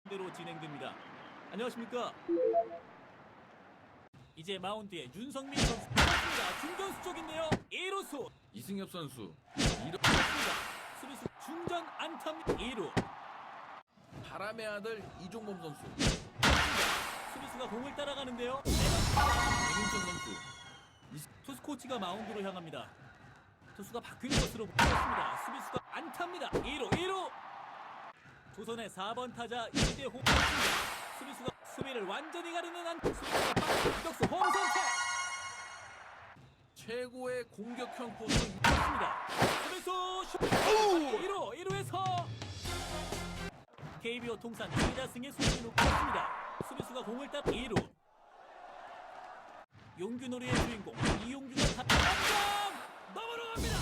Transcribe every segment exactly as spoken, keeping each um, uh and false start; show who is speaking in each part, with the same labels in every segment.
Speaker 1: 대로 진행됩니다. 안녕하십니까? 이제 마운드에 윤성민 선수 맞습니다. 중견수 쪽인데요. 일 루수
Speaker 2: 이승엽 선수 이루
Speaker 1: 맞습니다. 수비수 중전 안타입니다. 이 루
Speaker 2: 바람의 아들 이종범 선수
Speaker 1: 수비수가 공을 따라가는데요.
Speaker 2: 백인천 선수
Speaker 1: 투수 코치가 마운드로 향합니다. 투수가 바뀔 것으로 보였습니다. 수비수가 안타입니다. 이 루 일 루 조선의 사 번 타자 이대호 수비수가 수비를 완전히 가르는 안 수비수가 빠른 유격수 홈 선택
Speaker 2: 최고의 공격형 포수
Speaker 1: 맞습니다. 수비수 슛 일 루 일 루에서 케이비오 통산 이 다승의 손진우 습니다 수비수가 공을 따 이 루 용규놀이의 주인공 이용규가 당장 넘어갑니다.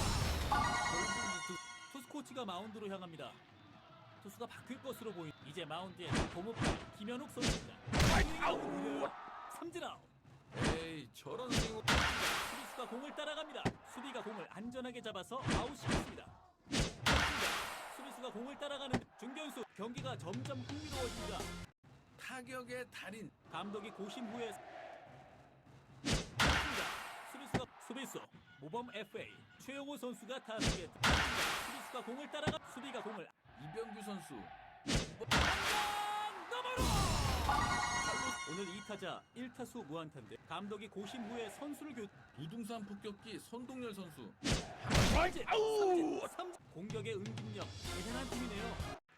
Speaker 1: 투수 코치가 마운드로 향합니다. 투수가 바뀔 것으로 보인 이제 마운드에 고무팔 김현욱 선수입니다. 삼진 아웃.
Speaker 2: 에이 저런 스윙
Speaker 1: 수비수가 공을 따라갑니다. 수비가 공을 안전하게 잡아서 아웃시켰습니다. 수비수가 공을 따라가는 중견수 경기가 점점 흥미로워집니다.
Speaker 2: 타격의 달인
Speaker 1: 감독이 고심 후에 수비수가 수비수 모범 에프에이 최영호 선수가 타석에 수비수가 공을 따라가 수비가 공을
Speaker 2: 이병규 선수
Speaker 1: 넘어로 오늘 이 타자 일 타수 무안타인데 감독이 고심 후에 선수를 교
Speaker 2: 부둥산 폭격기 손동열 선수
Speaker 1: 삼진 삼진 삼진 공격의 응집력 대단한 팀이네요.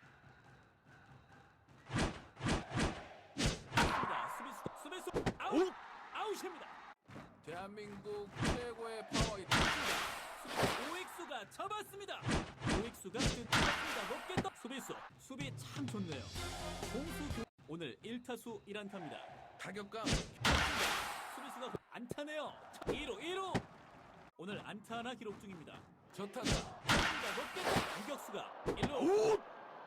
Speaker 1: 수비수 수비수 아웃 아웃입니다.
Speaker 2: 대한민국 최고의 파워 히터
Speaker 1: 오익수가 잡았습니다. 오익수가 뜬다 높게 떠 수비수 수비 참 좋네요. 공수 교 오늘 일 타수 일 안타입니다.
Speaker 2: 타격감
Speaker 1: 수비수가 안타네요. 이 루 일 루 오늘 안타 하나 기록 중입니다.
Speaker 2: 저 타자
Speaker 1: 높게 떠 유격수가 일 루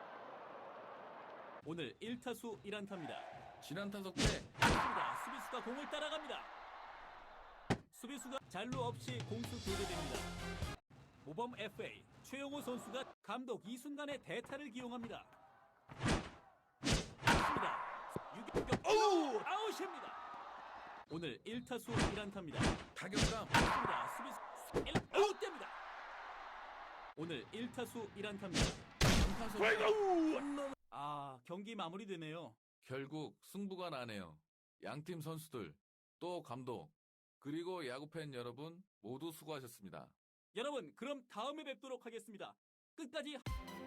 Speaker 1: 오늘 일 타수 일 안타입니다.
Speaker 2: 지난 타석 때
Speaker 1: 수비수가 공을 따라갑니다. 수비수가 잔루 없이 공수 교대됩니다. 모범 에프에이 최영호 선수가 감독 이 순간에 대타를 기용합니다. 유격 아웃입니다. 오늘 일 타수 일 안타입니다.
Speaker 2: 타격감
Speaker 1: 수비수 일 아웃됩니다. 오늘 일 타수 일 안타입니다.
Speaker 2: 타석 홈런
Speaker 1: 아 경기 마무리되네요.
Speaker 2: 결국 승부가 나네요. 양팀 선수들 또 감독 그리고 야구팬 여러분 모두 수고하셨습니다.
Speaker 1: 여러분 그럼 다음에 뵙도록 하겠습니다. 끝까지